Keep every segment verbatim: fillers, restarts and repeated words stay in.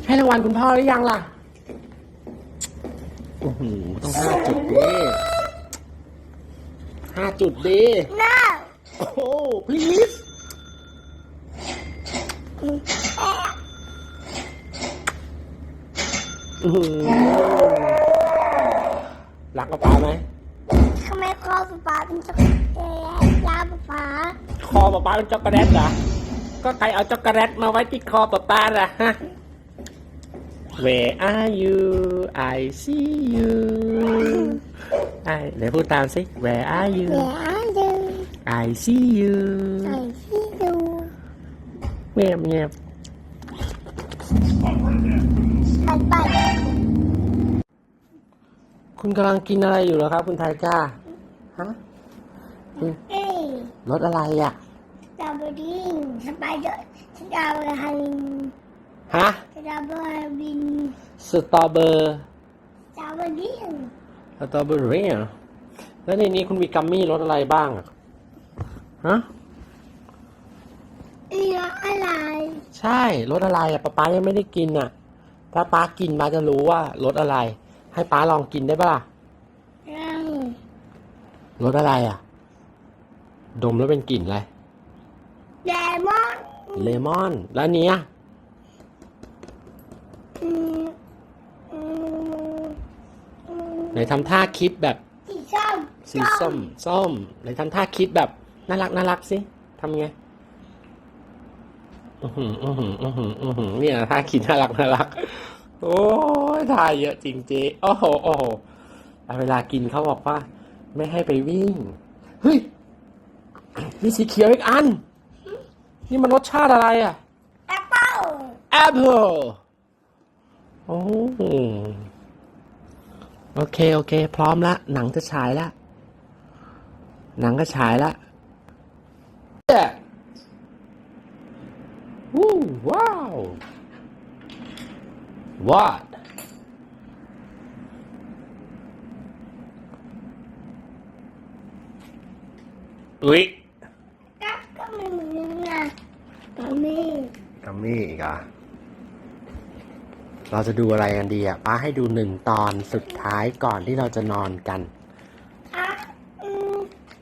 ให้รางวัลคุณพ่อหรือยังล่ะโอ้โหต้องห้าจุดดิห้าจุดดิ no โอ้โห please อื้อหือรักกระป๋าไหมทำไมคอป๊าเป็นช็อกโกแลตยาป๊าคอป๊าป๊าเป็นช็อกโกแลตเหรอก็ใครเอาช็อกโกแลตมาไว้ที่คอป๊าป๊าล่ะฮะ Where are you I see you ไอ้เดี๋ยวพูดตามสิ Where are you เดี๋ยวดู I see you ใส่ที่ดูเงียบเงียบไปไปคุณกำลังกินอะไรอยู่เหรอครับคุณไทก้าฮะเอ้ยรสอะไรอ่ะสตรอเบอรี่สไปเดอร์สตรอเบอร์ฮันฮะสตรอเบอร์บินสตรอเบอร์สตรอเบอรี่สตรอเบอรี่อ่ะแล้วในนี้คุณมีกัมมี่รสอะไรบ้างอะฮะเอืออะไรใช่รสอะไรอ่ะป๊าป๊ายังไม่ได้กินอ่ะถ้าป๊ากินป๊าจะรู้ว่ารสอะไร ให้ป๊าลองกินได้ปะล่ะรังรสอะไรอ่ะ ดมแล้วเป็นกลิ่นอะไรเลมอนเลมอนแล้วอันเนี้ยอืมอืมอืมไหนทำท่าคิดแบบสีส้มสีส้มส้มไหนทำท่าคิดแบบน่ารักน่ารักสิทำไงอือหืออือหืออือหืออือหือเนี่ยท่าคิดน่ารักน่ารักโอ้ยท่าเยอะจริงจีโอ้โหโอ้โหเวลากินเขาบอกว่า ไม่ให้ไปวิ่งเฮ้ยมีสีเขียวอีกอันนี่มันรสชาติอะไรอ่ะแอปเปิ้ลแอปเปิลโอ้โอเคโอเคพร้อมละหนังจะฉายละหนังก็ฉายละวู้ว้าว what อุ๊ยก็ก็ไม่เหมือนนะก็ไม่กัมมี่อีกอ่ะเราจะดูอะไรกันดีอ่ะป้าให้ดูหนึ่งตอนสุดท้ายก่อนที่เราจะนอนกันอ่ะอืม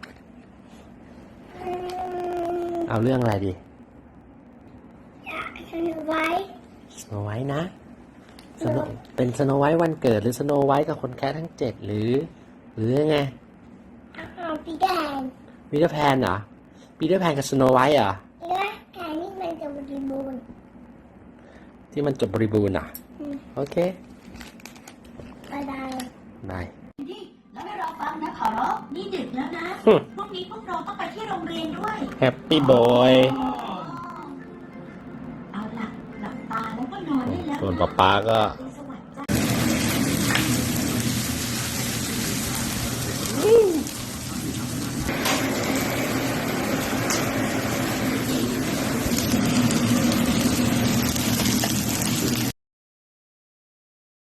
อืมเอาเรื่องอะไรดีอยากสนุกไว้สโนไวท์นะสโนเป็นสโนไวท์วันเกิดหรือสโนไวท์กับคนแค่ทั้งเจ็ดหรือ หรือยังไงเอาปีแดงปีเตอร์แพนเหรอปีเตอร์แพนกับสโนไวท์เหรอเนื้อแกนี่มันจะบริบูรณ์ที่มันจบบริบูรณ์อ่ะอืมโอเคก็ได้บายนี่แล้วให้เราฟังนะขอร้องนี่ดึกแล้วนะฮึพรุ่งนี้พวกเราต้องไปที่โรงเรียนด้วยแฮปปี้บอยเอาล่ะหลับตาแล้วก็นอนได้แล้วส่วนนะป๊าป๊าก็ส